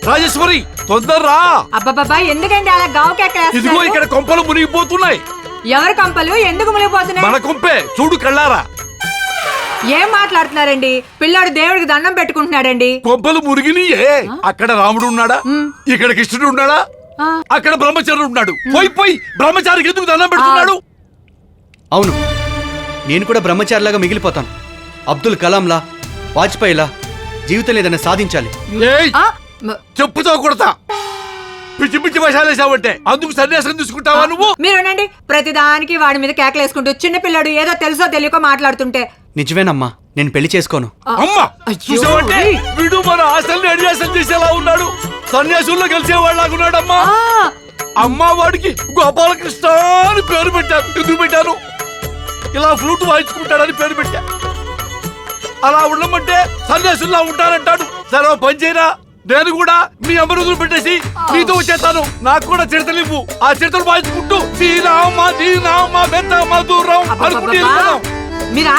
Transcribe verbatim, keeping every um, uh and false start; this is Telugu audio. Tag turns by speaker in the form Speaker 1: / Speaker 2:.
Speaker 1: రాజేశ్వరి తొందరరా.
Speaker 2: అబ్బబ్బబ్బా ఎందుకండి అలా గావు
Speaker 1: ఇదిగో
Speaker 2: కేకలేస్తున్నారు?
Speaker 1: ఇక్కడ కొంపలు మునిగిపోతున్నాయి.
Speaker 2: ఎవరి కంపలు ఎందుకు మునిగిపోతున్నాయి?
Speaker 1: మన కొంపే చూడు కళ్ళారా.
Speaker 2: ఏం మాట్లాడుతున్నారండి? పిల్లాడు దేవుడికి దండం పెట్టుకుంటున్నాడండి.
Speaker 1: కొంపలు మునిగినియే. అక్కడ రాముడు ఉన్నాడా, ఇక్కడ కృష్ణుడు ఉన్నాడా,
Speaker 2: ఆ.
Speaker 1: అక్కడ బ్రహ్మచారి ఉన్నాడు. పోయి పోయి బ్రహ్మచారికి ఎందుకు దండం పెడుతున్నాడు?
Speaker 3: అవును, నేను కూడా బ్రహ్మచారిలాగా మిగిలిపోతాను. అబ్దుల్ కలాంలా, వాజ్పేయిలా జీవితం ఏదైనా సాధించాలి.
Speaker 1: ఏయ్,
Speaker 2: ఆ, మ-
Speaker 1: చెప్పుతో కొడతా. పిచ్చి పిచ్చి వేసావంటే అందుకు సన్యాసం తీసుకుంటావా నువ్వు?
Speaker 2: మీరునండి, ప్రతిదానికి వాడి మీద కేకలేసుకుంటూ చిన్న పిల్లాడు ఏదో తెలుసో తెలియకో మాట్లాడుతుంటే.
Speaker 3: నిజమేనమ్మా, నేను పెళ్లి చేసుకోను.
Speaker 1: అమ్మా
Speaker 2: అయ్యో,
Speaker 1: చూసావంటే
Speaker 2: ఏయ్.
Speaker 1: వీడు మన ఆశల్ని అడియాసం చేసేలా ఉన్నాడు. సన్యాసుల్లో కలిసేవాళ్ళలాగున్నాడమ్మా.
Speaker 2: ఆ,
Speaker 1: అమ్మా వాడికి గోపాలకృష్ణ అని పేరు పెట్టాను. ఎందుకు పెట్టాను? ఇలా ఫ్లూట్ వాయించుకుంటాడని పేరు పెట్టా. అలా ఉండమంటే సన్యాసుల్లా ఉంటానంటాడు. సరే ఓ పని చేయరా, నేను కూడా మీ అమరుదులు పెట్టేసి నీతో వచ్చేస్తాను. నాకు కూడా చిడతలు ఇవ్వు. ఆ చిడతలు వాయించుకుంటూ శ్రీరామ దీనామ బెత్తమ దూరం అనుకుంటూ
Speaker 2: అబ్బబ్బబ్బా.
Speaker 1: వెళ్ళిపోదాం.
Speaker 2: మీరు